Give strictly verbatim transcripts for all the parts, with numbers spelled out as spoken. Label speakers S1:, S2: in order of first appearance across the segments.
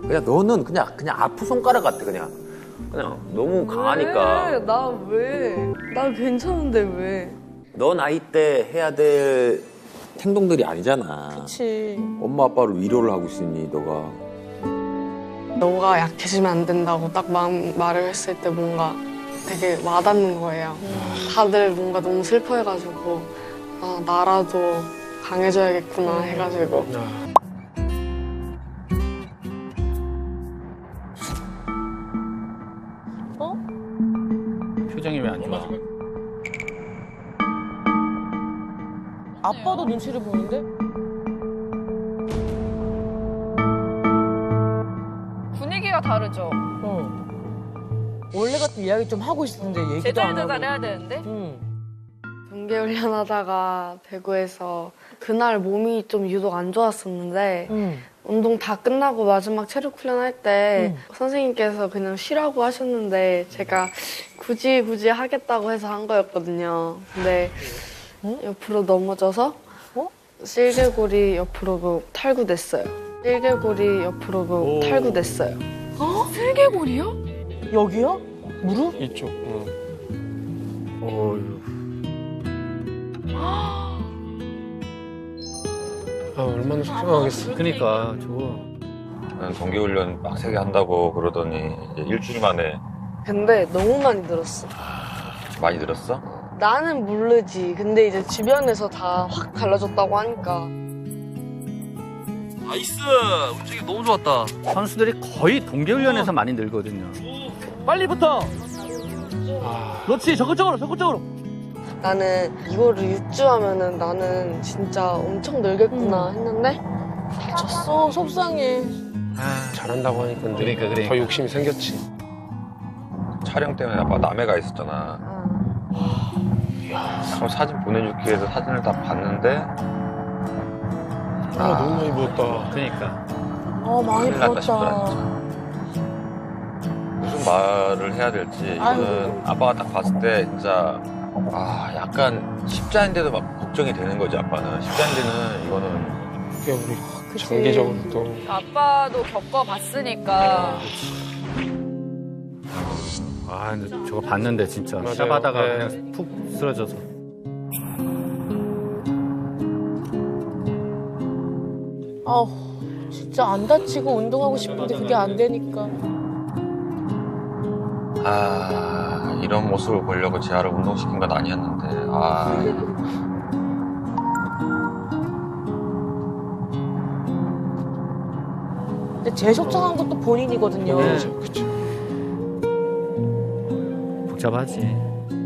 S1: 그냥 너는 그냥 그냥 아프 손가락 같아 그냥. 그냥 너무 강하니까.
S2: 왜? 나 왜? 나 괜찮은데 왜?
S1: 너 나이 때 해야 될 행동들이 아니잖아.
S2: 그치.
S1: 엄마 아빠를 위로를 하고 있으니 너가.
S2: 너가 약해지면 안 된다고 딱 마음, 말을 했을 때 뭔가 되게 와닿는 거예요. 다들 뭔가 너무 슬퍼해가지고 아 나라도 강해져야겠구나 해가지고.
S3: 어? 표정이 왜 안 좋아?
S4: 아빠도 눈치를 보는데?
S5: 분위기가 다르죠.
S4: 어. 원래 같은 이야기 좀 하고 있었는데 얘기도 안
S5: 제자리도
S4: 하고.
S5: 잘해야 되는데.
S4: 응.
S2: 경계훈련 하다가 대구에서 그날 몸이 좀 유독 안 좋았었는데
S4: 응.
S2: 운동 다 끝나고 마지막 체력 훈련 할 때
S4: 응.
S2: 선생님께서 그냥 쉬라고 하셨는데 제가 굳이 굳이 하겠다고 해서 한 거였거든요. 근데
S4: 응?
S2: 옆으로 넘어져서
S4: 어?
S2: 실개골이 옆으로 그 탈구됐어요. 실개골이 옆으로 그
S3: 오.
S2: 탈구됐어요.
S5: 어? 슬개골이요?
S4: 여기요? 무릎?
S6: 이쪽. 응.
S3: 어휴.
S6: 아 얼마나 속상하겠어.
S3: 그니까 저거.
S1: 나는 동계훈련 빡세게 한다고 그러더니 이제 일주일 만에
S2: 근데 너무 많이 늘었어.
S1: 많이 들었어?
S2: 나는 모르지. 근데 이제 주변에서 다 확 달라졌다고 하니까.
S7: 나이스! 움직임 너무 좋았다.
S3: 선수들이 거의 동계훈련에서 많이 늘거든요.
S7: 빨리 붙어!
S6: 아,
S7: 그렇지, 적극적으로, 적극적으로!
S2: 나는 이거를 육 주 하면은 나는 진짜 엄청 늘겠구나 했는데
S4: 다쳤어. 속상해.
S6: 잘한다고 하니까 근데
S3: 그러니까, 그러니까.
S6: 더 욕심이 생겼지.
S1: 촬영 때문에 아빠 남해가 있었잖아. 그럼 사진 보내줄게 해서 사진을 다 봤는데
S6: 아, 너무 많이 부었다.
S3: 그니까.
S4: 어, 많이
S1: 큰일 났다 싶더라
S4: 부었다.
S1: 진짜. 무슨 말을 해야 될지 이거는 아빠가 딱 봤을 때 진짜 아 약간 십자인데도 막 걱정이 되는 거지 아빠는. 십자인데는 이거는
S6: 그게 우리
S4: 그치.
S6: 장기적으로 또
S5: 아빠도 겪어봤으니까.
S3: 아, 근데 저거 봤는데 진짜.
S6: 맞아요.
S3: 샤바다가
S6: 네.
S3: 그냥 푹 쓰러져서.
S4: 아우, 진짜 안 다치고 운동하고 싶은데 그게 안 되니까.
S1: 아 이런 모습을 보려고 재하를 운동시킨 건 아니었는데 아
S4: 근데 제일 속상한 것도 본인이거든요.
S3: 네.
S6: 그쵸, 그쵸.
S3: 복잡하지.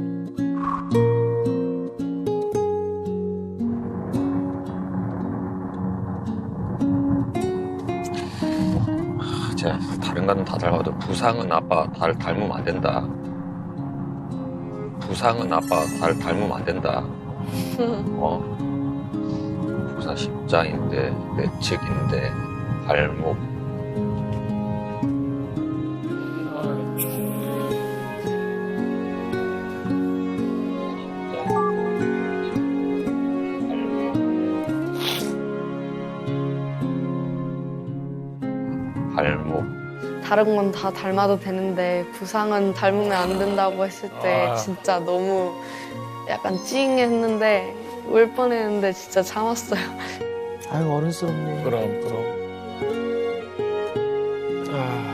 S1: 제가 다른 거는 다 닮아도 부상은 아빠 달 닮으면 안 된다. 부상은 아빠 달 닮으면 안 된다. 어? 부상 십자인데 내측인데 발목. 발목.
S2: 다른 건 다 닮아도 되는데 부상은 닮으면 안 된다고 했을 때
S6: 아.
S2: 진짜 너무 약간 찡했는데 울 뻔했는데 진짜 참았어요.
S4: 아유, 어른스럽네.
S6: 그럼 그럼. 아,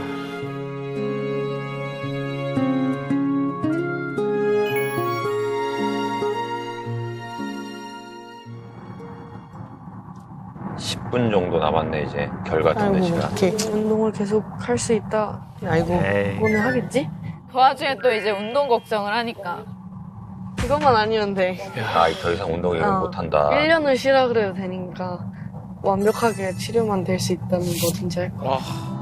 S1: 십 분 정도 남았네 이제 결과 듣는
S4: 아이고,
S1: 시간.
S4: 어떡해.
S2: 운동을 계속 할 수 있다.
S4: 아이고.
S3: 에이.
S2: 그거는 하겠지?
S5: 그 와중에 또 이제 운동 걱정을 하니까.
S2: 그것만 아니면 돼.
S1: 아, 더 이상 운동을
S2: 어.
S1: 못한다.
S2: 일 년을 쉬라 그래도 되니까 완벽하게 치료만 될 수 있다면 뭐든지 할 거야.
S6: 와,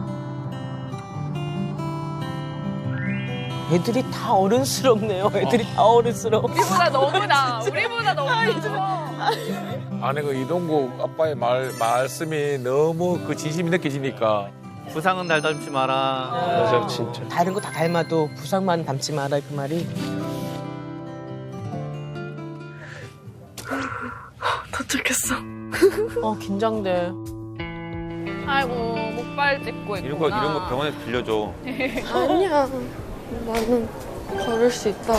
S4: 애들이 다 어른스럽네요. 애들이 다 어른스러워.
S5: 우리보다 너무 나. 우리보다 너무 나.
S6: 아니 그 이동국 아빠의 말 말씀이 너무 그 진심이 느껴지니까.
S3: 부상은 날 닮지 마라.
S6: 맞아 진짜.
S4: 다른 거 다 닮아도 부상만 닮지 마라, 그 말이.
S2: 도착했어.
S4: 어, 긴장돼.
S5: 아이고 목발 짚고 있구나.
S1: 이런 거 이런 거 병원에서 빌려줘.
S2: 아니야. 나는 걸을 수 있다고.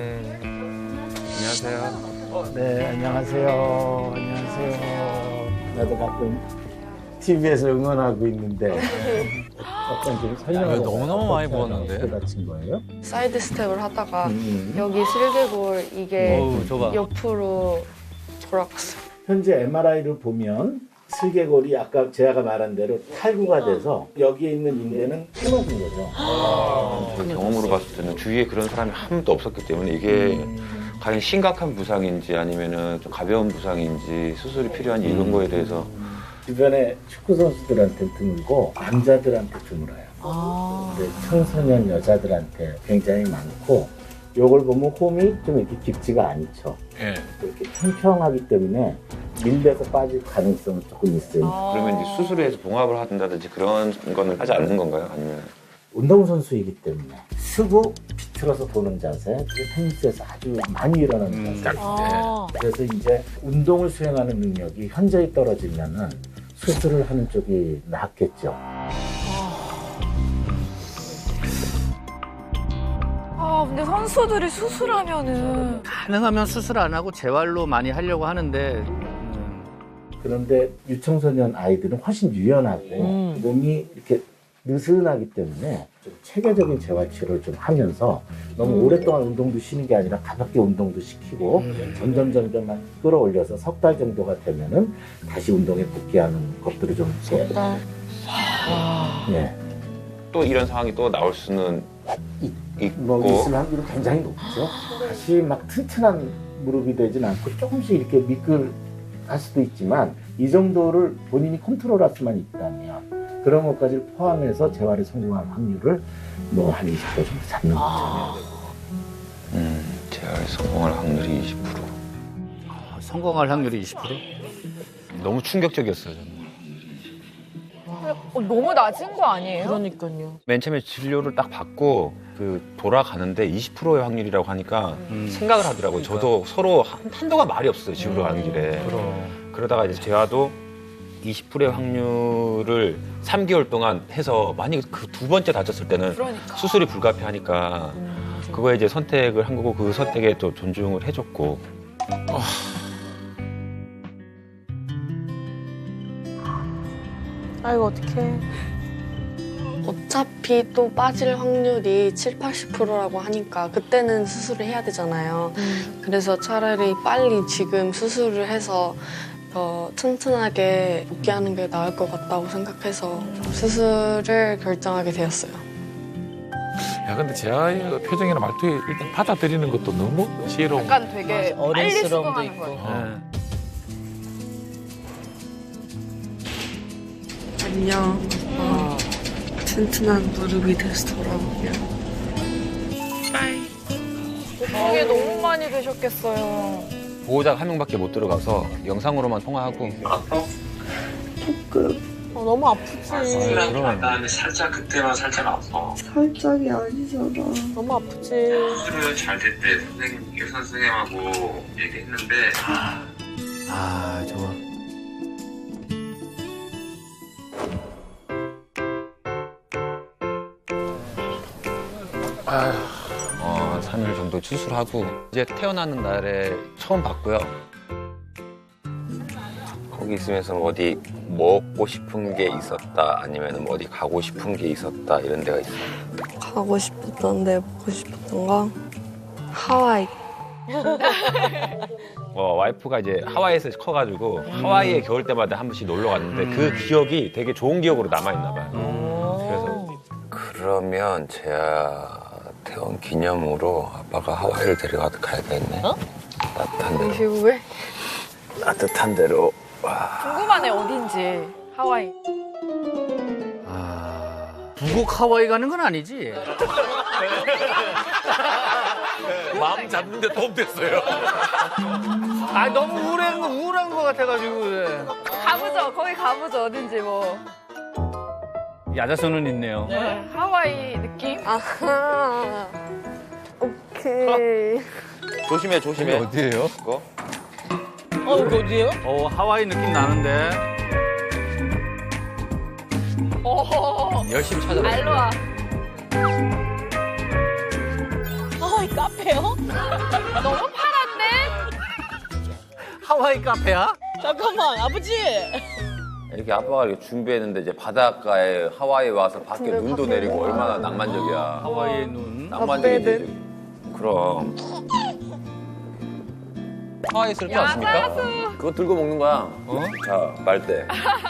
S1: 안녕하세요.
S8: 네, 안녕하세요. 안녕하세요. 나도 가끔 티비에서 응원하고 있는데 약간 좀 설명을
S6: 너무너무 많이 보았는데?
S8: 다친 거예요?
S2: 사이드 스텝을 하다가
S8: 음.
S2: 여기 슬개골 이게
S3: 어우, 저봐.
S2: 옆으로 돌아갔어요.
S8: 현재 엠알아이를 보면 슬개골이 아까 제가 말한 대로 탈구가 돼서 여기에 있는 인대는 끊어진 거죠.
S1: 그 경험으로 봤을 때는 주위에 그런 사람이 한 명도 없었기 때문에 이게 과연 심각한 부상인지 아니면은 좀 가벼운 부상인지 수술이 필요한지 이런 거에 대해서
S8: 주변에 축구 선수들한테 드물고 남자들한테 드물어요.
S4: 아.
S8: 근데 청소년 여자들한테 굉장히 많고 요걸 보면 홈이 좀 이렇게 깊지가 않죠.
S6: 예.
S8: 이렇게 평평하기 때문에 밀려서 빠질 가능성은 조금 있어요.
S4: 아.
S1: 그러면 이제 수술을 해서 봉합을 한다든지 그런 거는 하지 않는 건가요? 아니면
S8: 운동선수이기 때문에 쓰고 비틀어서 보는 자세, 그게 테니스에서 아주 많이 일어나는 자세.
S4: 아.
S8: 그래서 이제 운동을 수행하는 능력이 현저히 떨어지면은 수술을 하는 쪽이 낫겠죠.
S5: 아 근데 선수들이 수술하면은
S3: 가능하면 수술 안 하고 재활로 많이 하려고 하는데 음,
S8: 그런데 유청소년 아이들은 훨씬 유연하고
S4: 음.
S8: 몸이 이렇게 느슨하기 때문에 좀 체계적인 재활치료를 좀 하면서 너무 오랫동안 운동도 쉬는 게 아니라 가볍게 운동도 시키고 점점 점점 끌어올려서 석 달 정도가 되면은 다시 운동에 복귀하는 것들을 좀 이렇게
S4: 나.
S8: 예,
S1: 또 이런 상황이 또 나올 수는
S8: 이-
S1: 있고
S8: 뭐 있을 확률은 굉장히 높죠. 다시 막 튼튼한 무릎이 되진 않고 조금씩 이렇게 미끌할 수도 있지만 이 정도를 본인이 컨트롤할 수만 있다면 그런 것까지를 포함해서 재활에 성공할 확률을 뭐 한 이십 퍼센트 정도 잡는 거죠.
S1: 음, 재활 성공할 확률이 이십 퍼센트.
S3: 아, 성공할 확률이 이십 퍼센트?
S1: 너무 충격적이었어요. 저는.
S5: 어, 너무 낮은 거 아니에요?
S4: 그러니까요.
S1: 맨 처음에 진료를 딱 받고 그 돌아가는데 이십 퍼센트의 확률이라고 하니까
S3: 음.
S1: 생각을 하더라고요. 저도 서로 한, 한동안 말이 없었어요. 집으로 가는 길에. 그러다가 이제 재화도 이십 퍼센트의 확률을 삼 개월 동안 해서 만약에 그 두 번째 다쳤을 때는
S5: 그러니까.
S1: 수술이 불가피하니까 그거에 이제 선택을 한 거고 그 선택에 또 존중을 해줬고.
S4: 아이고 어떡해.
S2: 어차피 또 빠질 확률이 칠, 팔십 퍼센트라고 하니까 그때는 수술을 해야 되잖아요. 그래서 차라리 빨리 지금 수술을 해서 더 튼튼하게 복귀하는 게 나을 것 같다고 생각해서 수술을 결정하게 되었어요.
S6: 야, 근데 제 아이의 표정이나 말투에 일단 받아들이는 것도 너무 지혜로운.
S5: 약간 되게
S4: 맞아,
S5: 빨리
S4: 어른스러움도
S5: 수긍하는
S4: 있고.
S5: 거예요.
S6: 어.
S2: 안녕. 어, 튼튼한 무릎이 돼서 돌아오면.
S5: 그게 너무 많이 되셨겠어요.
S1: 보호자가 한 명밖에 못 들어가서 영상으로만 통화하고.
S4: 어, 너무 아프지.
S1: 그러면
S9: 나는 살짝 그때만 살짝 아파.
S2: 살짝이 아니잖아.
S4: 너무 아프지.
S9: 수술은 잘 됐대. 선생님, 의사 선생님하고 얘기했는데
S3: 아 저거
S1: 어, 삼 일 정도 수술하고 이제 태어나는 날에 처음 봤고요. 거기 있으면서 어디 먹고 싶은 게 있었다 아니면 어디 가고 싶은 게 있었다 이런 데가 있어요.
S2: 가고 싶었던 데, 보고 싶었던 거? 하와이.
S1: 어, 와이프가 이제 하와이에서 커가지고 하와이에 겨울 때마다 한 번씩 놀러 갔는데 그 기억이 되게 좋은 기억으로 남아있나 봐요. 그래서 그러면 제가 태원 기념으로 아빠가 하와이를 데려가 가야 되겠네.
S4: 어?
S1: 따뜻한 데로.
S2: 이후에
S1: 따뜻한 데로.
S5: 궁금하네 어딘지. 하와이.
S3: 아 부곡 하와이 가는 건 아니지?
S6: 마음 잡는데 도움 됐어요.
S3: 아 너무 우울한 거 우울한 거 같아가지고 그래.
S5: 가보죠. 거기 가보죠. 어딘지 뭐.
S3: 야자수는 있네요.
S5: 네, 하와이 느낌?
S2: 아하. 오케이.
S1: 조심해, 조심해.
S6: 어디예요?
S1: 그거?
S4: 어, 여기 어디예요?
S3: 어 하와이 느낌 나는데.
S5: 오,
S1: 열심히 찾아봐.
S5: 알로아.
S4: 하와이 카페요?
S5: 너무 파란데?
S3: 하와이 카페야?
S4: 잠깐만 아버지.
S1: 이렇게 아빠가 이렇게 준비했는데 이제 바닷가에 하와이 와서 밖에
S2: 근데
S1: 눈도
S2: 밖에
S1: 내리고
S2: 눈.
S1: 얼마나 낭만적이야.
S3: 하와이의 눈.
S1: 낭만적이지. 그럼. 하와이 쓸 줄 아십니까?
S5: 야자수.
S1: 그거 들고 먹는 거야. 어? 자, 말대.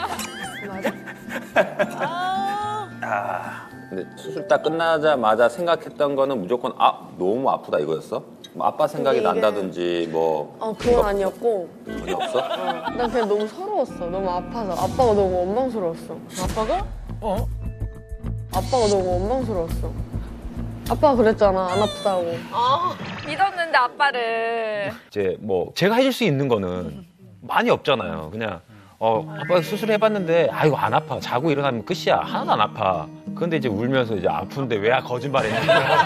S1: 아, 근데 수술 딱 끝나자마자 생각했던 거는 무조건 아 너무 아프다 이거였어? 뭐 아빠 생각이
S2: 근데 이게-
S1: 난다든지 뭐
S2: 어 그건 아니었고
S1: 전혀 없어?
S2: 난 그냥 너무 서러웠어. 너무 아파서. 아빠가 너무 원망스러웠어.
S4: 아빠가?
S3: 어?
S2: 아빠가 너무 원망스러웠어. 아빠가 그랬잖아. 안 아프다고.
S4: 아
S5: 믿었는데 아빠를.
S1: 이제 뭐 제가 해줄 수 있는 거는 많이 없잖아요. 그냥 어 아빠 수술해봤는데 아 이거 안 아파. 자고 일어나면 끝이야. 하나도 안 아파. 그런데 이제 울면서 이제 아픈데 왜 거짓말했냐.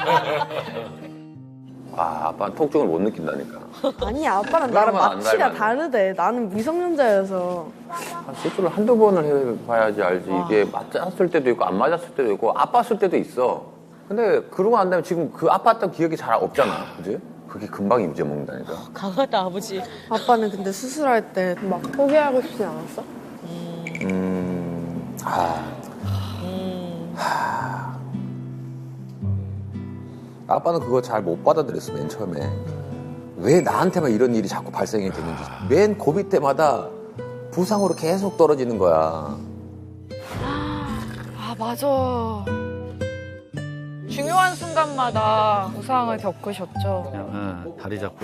S1: 아 아빠는 통증을 못 느낀다니까.
S2: 아니 아빠랑 나랑
S1: 그러면 안
S2: 마취가
S1: 닮았네.
S2: 다르대. 나는 미성년자여서.
S1: 수술을 한두 번을 해봐야지 알지. 이게 맞았을 때도 있고 안 맞았을 때도 있고 아팠을 때도 있어. 근데 그러고 난 다음에 지금 그 아팠던 기억이 잘 없잖아. 그지? 그게 금방 잊어먹는다니까.
S4: 강하다 아버지.
S2: 아빠는 근데 수술할 때 막 포기하고 싶지 않았어?
S1: 음... 아... 하... 아빠는 그거 잘 못 받아들였어, 맨 처음에. 왜 나한테만 이런 일이 자꾸 발생이 되는지. 맨 고비 때마다 부상으로 계속 떨어지는 거야.
S5: 아, 맞아. 중요한 순간마다 부상을 겪으셨죠.
S3: 응, 다리 잡고.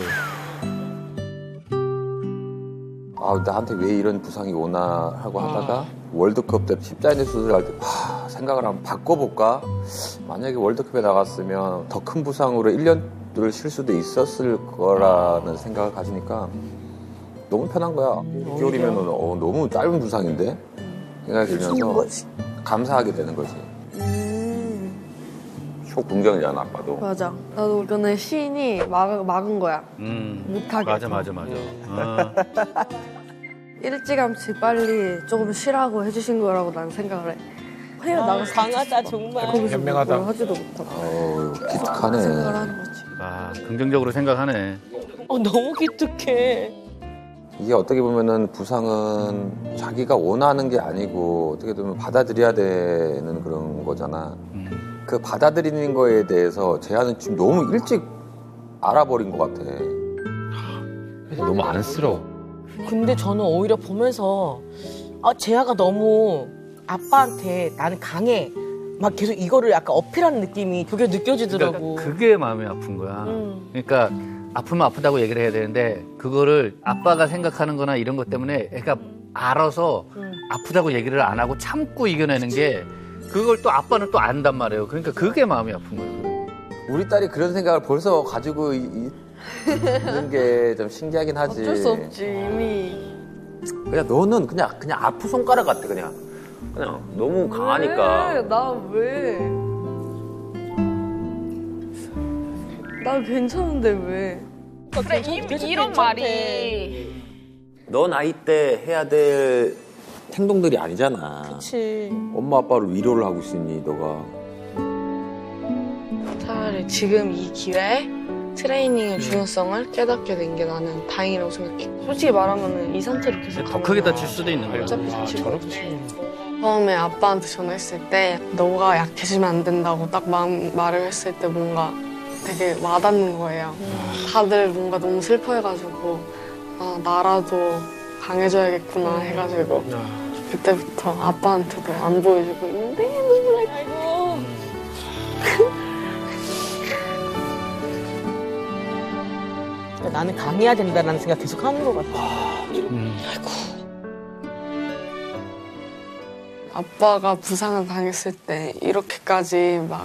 S1: 아, 나한테 왜 이런 부상이 오나 하고 하다가 월드컵 때 십자인대 수술할 때 와, 생각을 한번 바꿔볼까? 만약에 월드컵에 나갔으면 더 큰 부상으로 일 년을 쉴 수도 있었을 거라는 생각을 가지니까 너무 편한 거야. 육 개월이면 어, 너무 짧은 부상인데? 생각이 들면서 감사하게 되는 거지.
S2: 음,
S1: 초긍정이잖아, 아빠도.
S2: 맞아. 나도 이거는 시인이 막, 막은 거야.
S3: 음.
S2: 못하게.
S3: 맞아, 맞아, 맞아. 어.
S2: 일찌감치 빨리 조금 쉬라고 해주신 거라고 난 생각을 해. 해외
S4: 아,
S2: 나가서
S4: 강하다 정말.
S2: 거기서
S8: 현명하다.
S2: 뭘 하지도 못하고
S1: 어우,
S2: 생각을
S1: 기특하네.
S2: 하는 거지.
S3: 아, 긍정적으로 생각하네.
S4: 어 너무 기특해.
S1: 이게 어떻게 보면은 부상은 자기가 원하는 게 아니고 어떻게 보면 받아들여야 되는 그런 거잖아.
S3: 음.
S1: 그 받아들이는 거에 대해서 재한은 지금 너무 일찍 알아버린 것 같아. 너무 안쓰러워.
S4: 근데 저는 오히려 보면서 아 재하가 너무 아빠한테 나는 강해. 막 계속 이거를 약간 어필하는 느낌이 그게 느껴지더라고.
S3: 그러니까 그게 마음이 아픈 거야.
S4: 음.
S3: 그러니까 아프면 아프다고 얘기를 해야 되는데 그거를 아빠가 생각하는 거나 이런 것 때문에 애가 알아서
S4: 음.
S3: 아프다고 얘기를 안 하고 참고 이겨내는 게 그걸 또 아빠는 또 안단 말이에요. 그러니까 그게 마음이 아픈 거예요.
S1: 우리 딸이 그런 생각을 벌써 가지고 이- 있는 게 좀 신기하긴 하지.
S2: 어쩔 수 없지 이미.
S1: 그냥 너는 그냥 그냥 아프 손가락 같아 그냥. 그냥 너무 강하니까.
S2: 왜? 나 왜? 나 괜찮은데 왜?
S5: 그래, 이, 이런 말이.
S1: 너 나이 때 해야 될 행동들이 아니잖아.
S4: 그렇지.
S1: 엄마 아빠를 위로를 하고 있으니 너가.
S2: 차라리 지금 이 기회에 트레이닝의 중요성을 깨닫게 된 게 나는 다행이라고 생각해. 솔직히 말하면 이 상태로 계속
S3: 더
S2: 가면
S3: 크게 다칠 수도 있는 거야.
S2: 어차피 다칠 거 처음에 아빠한테 전화했을 때 너가 약해지면 안 된다고 딱 마음, 말을 했을 때 뭔가 되게 와닿는 거예요. 다들 뭔가 너무 슬퍼해가지고 아 나라도 강해져야겠구나 해가지고 그때부터 아빠한테도 안 보여주고 있는데 눈물 날
S4: 아이고. 나는 강해야 된다는 생각 계속 하는 것 같아.
S3: 음.
S2: 아빠가 부상을 당했을 때 이렇게까지 막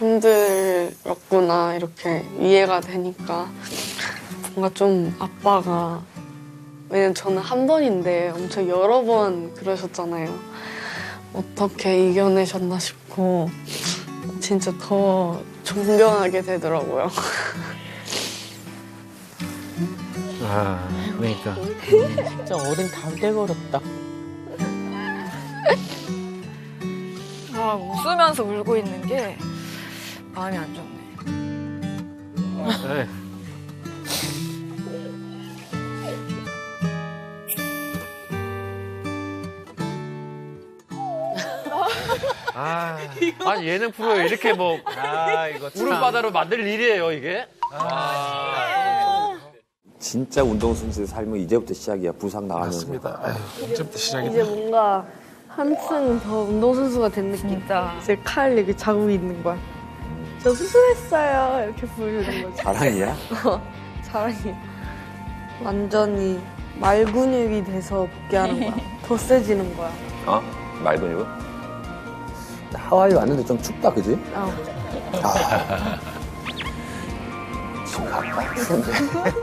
S2: 힘들었구나 이렇게 이해가 되니까 뭔가 좀 아빠가 왜냐면 저는 한 번인데 엄청 여러 번 그러셨잖아요. 어떻게 이겨내셨나 싶고 진짜 더 존경하게 되더라고요.
S3: 아, 그러니까.
S4: 진짜 어른 다 돼버렸다.
S5: 막 웃으면서 울고 있는 게 마음이 안 좋네.
S3: 네. 아, 아니 예능 프로에 이렇게 뭐
S1: 아 이거
S3: 울음바다로 만들 일이에요 이게?
S1: 진짜 운동선수의 삶은 이제부터 시작이야. 부상 나가면서.
S6: 맞습니다. 아휴, 이제부터 시작이다.
S2: 이제 뭔가 한층 더 운동선수가 된 느낌.
S5: 진짜.
S2: 이제 칼 이렇게 자국이 있는 거야. 저 수술했어요. 이렇게 보여주는 거지.
S1: 자랑이야?
S2: 자랑이. 완전히 말 근육이 돼서 복귀하는 거야. 더 세지는 거야.
S1: 어? 말 근육은? 하와이 왔는데 좀 춥다, 그지?
S2: 어.
S1: 아. 지금 갈까? 추운데.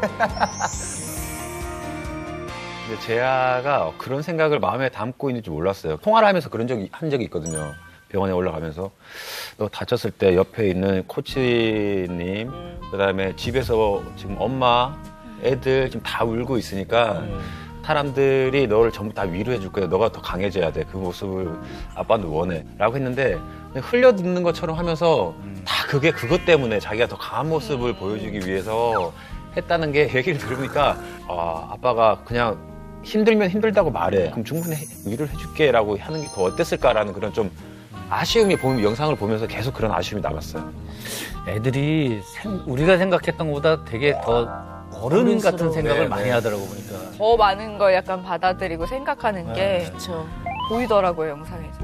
S1: 근데 재하가 그런 생각을 마음에 담고 있는 줄 몰랐어요. 통화를 하면서 그런 적이 한 적이 있거든요. 병원에 올라가면서 너 다쳤을 때 옆에 있는 코치님, 그다음에 집에서 지금 엄마, 애들 지금 다 울고 있으니까 사람들이 너를 전부 다 위로해 줄 거야. 너가 더 강해져야 돼. 그 모습을 아빠도 원해. 라고 했는데 흘려 듣는 것처럼 하면서 다 그게 그것 때문에 자기가 더 강한 모습을 보여주기 위해서 했다는 게 얘기를 들으니까 아, 아빠가 그냥 힘들면 힘들다고 말해. 그럼 충분히 위로를 해줄게 라고 하는 게 더 어땠을까라는 그런 좀 아쉬움이 보면 영상을 보면서 계속 그런 아쉬움이 남았어요.
S3: 애들이 생- 우리가 생각했던 것보다 되게 더 어른 같은 생각을
S1: 네,
S3: 많이
S1: 네.
S3: 하더라고 보니까.
S5: 더 많은 걸 약간 받아들이고 생각하는 게
S4: 그렇죠.
S5: 보이더라고요, 영상에서.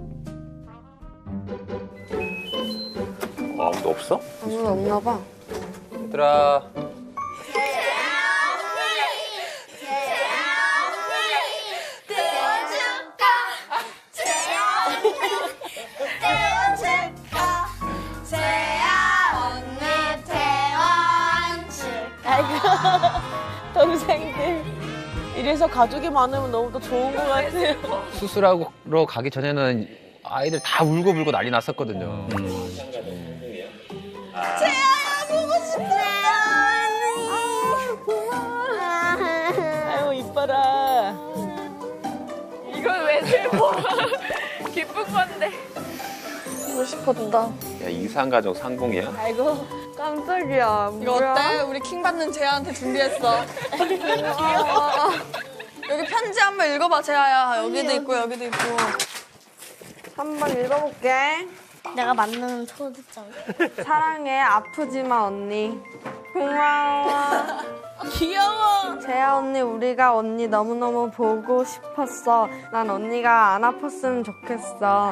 S1: 어, 아무도 없어?
S2: 아무도 없나 봐.
S1: 얘들아.
S4: 동생들. 이래서 가족이 많으면 너무 더 좋은 것 같아요.
S1: 수술하러 가기 전에는 아이들 다 울고 불고 난리 났었거든요.
S4: 아유, 이뻐라.
S5: 이건 왜 슬퍼? 기쁜 건데.
S2: 보고 싶었다.
S1: 야, 이상가족 상봉이야?
S4: 아이고.
S2: 깜짝이야.
S10: 이거 어때? 우리 킹 받는 재아한테 준비했어. 여기 편지 한번 읽어봐, 재아야. 여기도 있고 여기도 있고.
S2: 한번 읽어볼게.
S11: 내가 만드는 초대장.
S2: 사랑해. 아프지마 언니. 고마워.
S10: 귀여워.
S2: 재아 언니, 우리가 언니 너무너무 보고 싶었어. 난 언니가 안 아팠으면 좋겠어.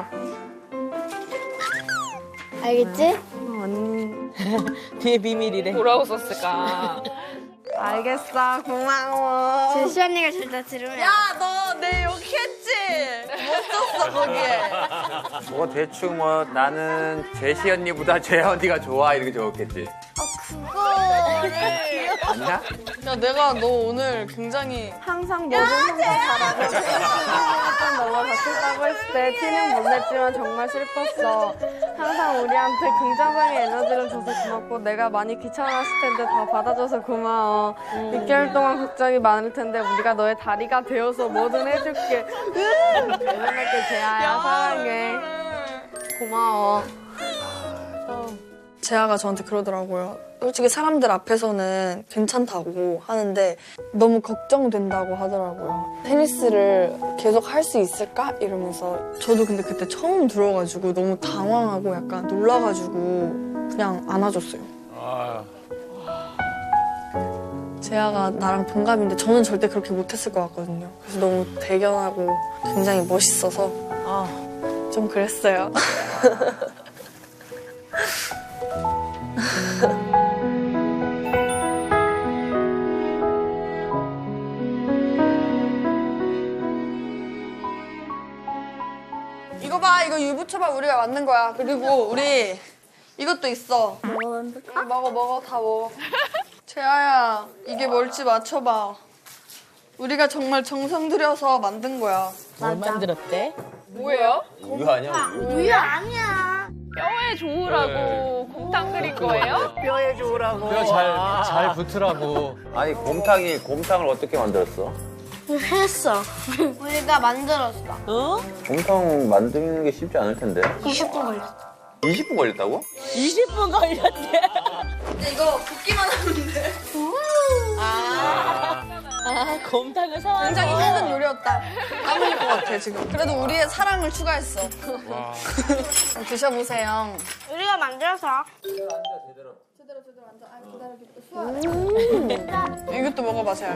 S11: 알겠지?
S2: 어, 언니.
S4: 뒤에 비밀이래.
S5: 뭐라고 썼을까?
S2: 알겠어. 고마워.
S11: 제시 언니가 절대 들으면.
S10: 야, 너 내 욕했지? 못 썼어, 거기에.
S1: 뭐 대충 뭐 나는 제시 언니보다 재하 언니가 좋아 이렇게 적었겠지.
S11: 그거를.
S1: 아니야?
S10: 야, 내가 너 오늘 굉장히
S2: 항상 모든 성공 잘하고 생각했던 너가 다쳤다고 했을 때 티는 못 냈지만 정말 슬펐어. 항상 우리한테 긍정적인 에너지를 줘서 고맙고 내가 많이 귀찮았을 텐데 다 받아줘서 고마워. 육 개월 동안 걱정이 많을 텐데 우리가 너의 다리가 되어서 뭐든 해줄게. 응원할게 재아야. 사랑해. 고마워.
S10: 재아가 저한테 그러더라고요. 솔직히 사람들 앞에서는 괜찮다고 하는데 너무 걱정된다고 하더라고요. 테니스를 계속 할 수 있을까? 이러면서 저도 근데 그때 처음 들어가지고 너무 당황하고 약간 놀라가지고 그냥 안아줬어요.
S6: 아,
S10: 재아가 나랑 동갑인데 저는 절대 그렇게 못했을 것 같거든요. 그래서 너무 대견하고 굉장히 멋있어서
S4: 아,
S10: 좀 그랬어요. 이거 봐, 이거 유부초밥 우리가 만든 거야. 그리고 우리 이것도 있어. 이거 먹어, 먹어, 다 먹어. 재아야, 이게 뭘지 맞춰봐. 우리가 정말 정성 들여서 만든 거야.
S4: 뭘 만들었대?
S5: 뭐예요?
S1: 우유 아니야? 우유.
S11: 우유 아니야.
S5: 뼈에 좋으라고 곰탕 끓인 거예요?
S3: 뼈에 좋으라고.
S6: 뼈 잘 잘 붙으라고.
S1: 아니 곰탕이 곰탕을 어떻게 만들었어?
S11: 했어. 우리가 만들었어.
S4: 어?
S1: 정성 만드는 게 쉽지 않을 텐데.
S11: 이십 분 걸렸어.
S1: 이십 분 걸렸다고?
S4: 이십 분 걸렸대.
S10: 근데 이거 붓기만 하면 돼.
S4: 아, 아 곰탕을 사와서.
S10: 굉장히 힘든 요리였다. 까먹을 것 같아 지금. 그래도 우리의 사랑을 추가했어. 드셔보세요.
S11: 우리가 만들어서.
S10: 음. 이것도 먹어봐 재야.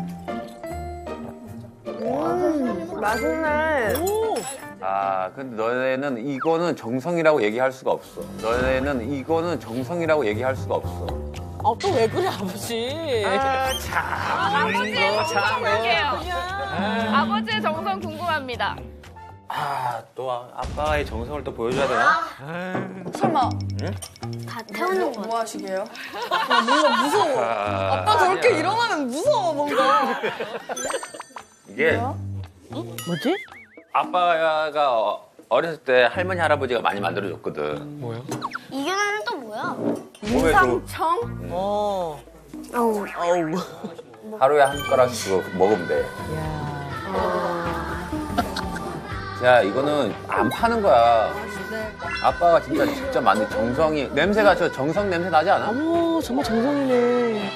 S10: 음, 맛있네.
S1: 아, 근데 너네는 이거는 정성이라고 얘기할 수가 없어. 너네는 이거는 정성이라고 얘기할 수가 없어.
S4: 아, 또 왜 그래, 아버지?
S5: 아, 아버지의 정성 볼게요. 아버지의 정성 궁금합니다.
S1: 아, 또 아- 아빠의 정성을 또 보여줘야 되나?
S10: 설마
S1: 응?
S11: 다 태우는
S10: 뭐,
S11: 거.
S10: 뭐 하시게요? 야, 뭔가 무서워.
S1: 아,
S10: 아빠 저렇게 일어나면 무서워 뭔가.
S1: 이게
S4: 뭐지?
S1: 아빠가 어- 어렸을 때 할머니 할아버지가 많이 만들어줬거든.
S6: 뭐야?
S11: 이거는 또 뭐야?
S1: 몸에 좋은
S10: 삼청?
S4: 어.
S11: 어우.
S4: 어우.
S1: 하루에 한 숟가락씩 그거 먹으면 돼.
S4: 야.
S1: 야, 이거는 안 파는 거야. 아빠가 진짜 직접 만든 정성이 냄새가 저 정성 냄새 나지 않아?
S4: 어머, 정말 정성이네.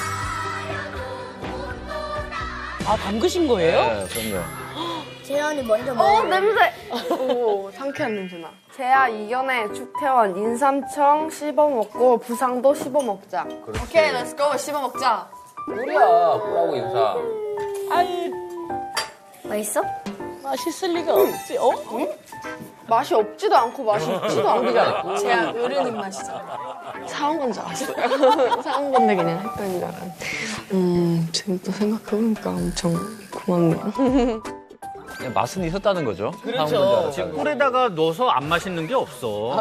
S4: 아, 담그신 거예요?
S1: 네, 그럼요.
S11: 재현이 먼저
S10: 어
S11: 먹어.
S10: 냄새. 오 상쾌한 냄새 나. 재야 이겨내 축태원 인삼청 씹어 먹고 부상도 씹어 먹자.
S1: 그렇지.
S10: 오케이 렛츠고 씹어 먹자.
S1: 꿀이야, 꿀하고 인사.
S4: 아이,
S11: 맛있어?
S4: 맛있을 리가 없지. 어?
S10: 맛이 없지도 않고 맛이 있지도
S1: 꿀이잖아,
S10: 않고. 재야 어른 입맛이잖아. 사온 건 줄 알았어요. 사온 건데 그냥 했더니 줄 알았는데. 음 지금 또 생각해보니까 엄청 고맙네요.
S1: 그냥 맛은 있었다는 거죠.
S3: 그렇죠. 꿀에다가 넣어서 안 맛있는 게 없어.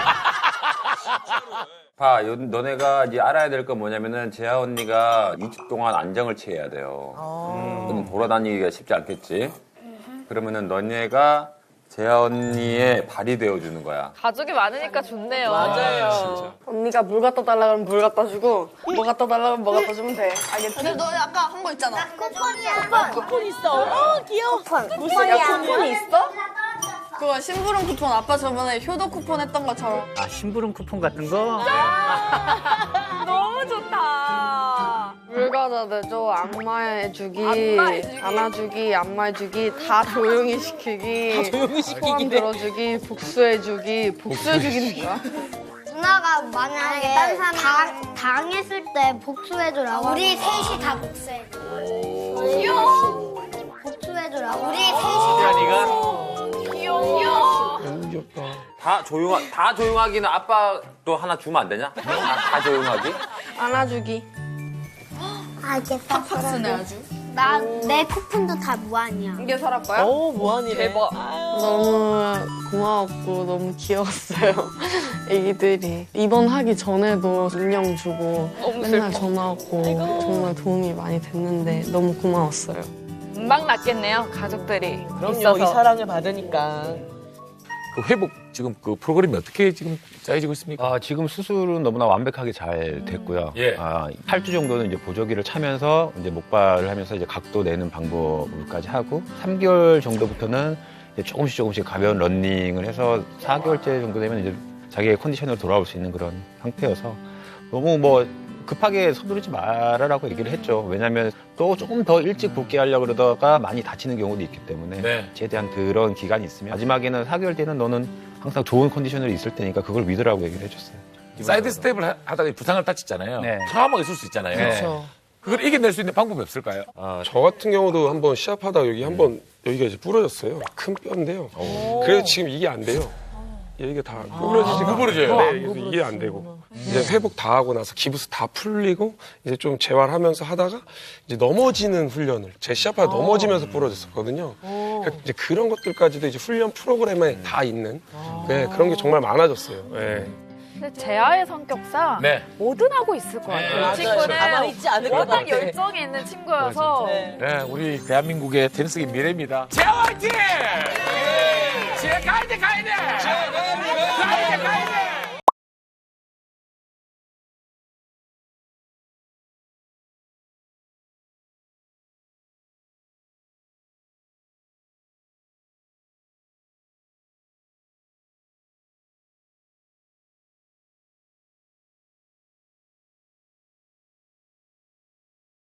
S1: 봐, 요- 너네가 이제 알아야 될 건 뭐냐면은 재하 언니가 이 주 동안 안정을 취해야 돼요. 음, 돌아다니기가 쉽지 않겠지. 그러면은 너네가 재하 언니의 발이 되어주는 거야.
S5: 가족이 많으니까 좋네요.
S4: 맞아요.
S10: 언니가 물 갖다 달라 그러면 물 갖다 주고 뭐 갖다 달라 그러면 뭐 갖다 주면 돼. 알겠지? 근데 너 아까 한 거 있잖아.
S11: 쿠폰이야.
S4: 쿠폰 있어. 어, 귀여워.
S11: 쿠폰.
S10: 무슨 야 쿠폰이 있어? 그거 심부름 쿠폰 아빠 저번에 효도 쿠폰 했던 것처럼.
S3: 아, 심부름 쿠폰 같은 거?
S5: 너무 좋다.
S2: 물 갖다 대줘, 안마해주기,
S5: 안마해주기.
S2: 안아주기, 안마해주기, 다 조용히 시키기,
S4: 다 조용히 시키기.
S2: 소원 들어주기, 복수해주기, 복수해주기는 뭐야?
S11: 누나가 만약에 당, 당했을 때 복수해주라고. 우리 셋이 다 복수해줘. 귀여워. 복수해주라고. 우리 셋이 다 복수해줘.
S5: 귀여워.
S6: 너무 귀엽다.
S1: 다 조용하, 다 조용하기는 아빠 또 하나 주면 안 되냐? 다, 다 조용하기?
S2: 안아주기.
S11: 알겠어.
S10: 팍스네 아주.
S11: 나, 내 쿠폰도 다 무한이야.
S10: 이게 설할 거야?
S4: 어, 뭐하니래.
S5: 대박.
S2: 너무 고마웠고 너무 귀여웠어요. 애기들이 입원하기 전에도 인형 주고 맨날 전화하고 정말 도움이 많이 됐는데 너무 고마웠어요.
S5: 금방 낫겠네요, 가족들이.
S4: 그럼요,
S5: 있어서.
S4: 이 사랑을 받으니까.
S6: 그 회복 지금 그 프로그램이 어떻게 지금 짜여지고 있습니까?
S1: 아, 지금 수술은 너무나 완벽하게 잘 됐고요.
S6: 예.
S1: 아, 팔 주 정도는 이제 보조기를 차면서 이제 목발을 하면서 이제 각도 내는 방법까지 하고 삼 개월 정도부터는 이제 조금씩 조금씩 가벼운 러닝을 해서 사 개월째 정도 되면 이제 자기의 컨디션으로 돌아올 수 있는 그런 상태여서 너무 뭐 급하게 서두르지 말아라고 얘기를 했죠. 왜냐하면 또 조금 더 일찍 복귀하려고 그러다가 많이 다치는 경우도 있기 때문에
S6: 네.
S1: 최대한 그런 기간이 있으면 마지막에는 사 개월 때는 너는 항상 좋은 컨디션으로 있을 테니까 그걸 믿으라고 얘기를 해줬어요.
S6: 사이드 스텝을 하- 하다가 부상을 다쳤잖아요.
S1: 네.
S6: 트라우마가 있을 수 있잖아요.
S4: 그렇죠.
S6: 그걸 이겨낼 수 있는 방법이 없을까요?
S12: 저 같은 경우도 한번 시합하다가 여기 한번 여기가 이제 부러졌어요. 큰 뼈인데요. 그래서 지금 이게 안 돼요. 여기가 다 구부러지지가
S6: 안 구부러져요?
S12: 않아요. 네, 그래서 이게 안 되고 이제 회복 다 하고 나서 기부스 다 풀리고 이제 좀 재활하면서 하다가 이제 넘어지는 훈련을 제 시합하다 넘어지면서 부러졌었거든요. 그러니까 이제 그런 것들까지도 이제 훈련 프로그램에 다 있는 네, 그런 게 정말 많아졌어요. 네.
S5: 근데 재하의 성격상
S6: 네.
S5: 뭐든 하고 있을 것 같아요.
S4: 맞아요.
S5: 이 친구는
S4: 가만히 있지 않을 것
S5: 워낙
S4: 같아.
S5: 열정이 있는 친구여서
S4: 네.
S6: 네, 우리 대한민국의 테니스계 미래입니다. 재화 화이팅! 예! 재화 가야 돼, 가야 돼! 가야